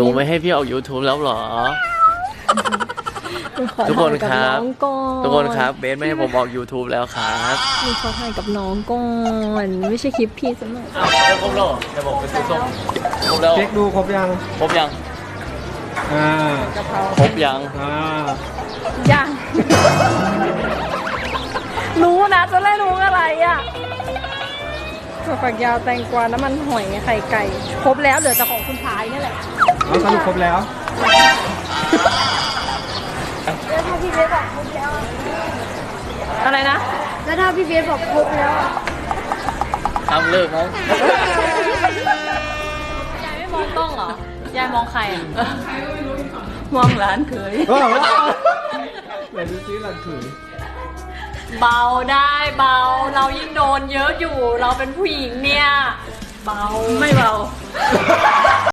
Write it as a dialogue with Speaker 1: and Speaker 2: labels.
Speaker 1: ไม่ให้พี่ออก YouTube แล้วเหรอทุกคนครับทุกคนครับเบสไม่ให้ผมออก YouTube แล้วครับ
Speaker 2: มีขอถ่ายกับน้องก่อนไม่ใช่คลิปพี่ซะหน่อย
Speaker 1: จะครบแล้วจะบอกเป็นส้มครบแล้ว
Speaker 3: เช็คดูครบยัง
Speaker 1: ครบยังครบยัง
Speaker 2: ยังรู้นะจะได้รู้อะไรอ่ะถั่วฝักยาวแตงกวาน้ำมันหอยไข่ไก่ครบแล้วเหลือแต่ของคุณชายนี่แหละ
Speaker 3: สรุปครบแล้ว
Speaker 2: แล้วถ้าพี่เบสบอกครบแล้วอะไรนะแล้วถ้าพี่เบสบอกครบแล้ว
Speaker 1: ทำเลิกมั้ง
Speaker 2: ยายไม่มองกล้องเหรอยายมองใครอ่ะมองร้านเคย
Speaker 3: ไหนดูซิร้านเคย
Speaker 2: เบาได้เบาเรายิ่งโดนเยอะอยู่เราเป็นผู้หญิงเนี่ยเบาไม่เบา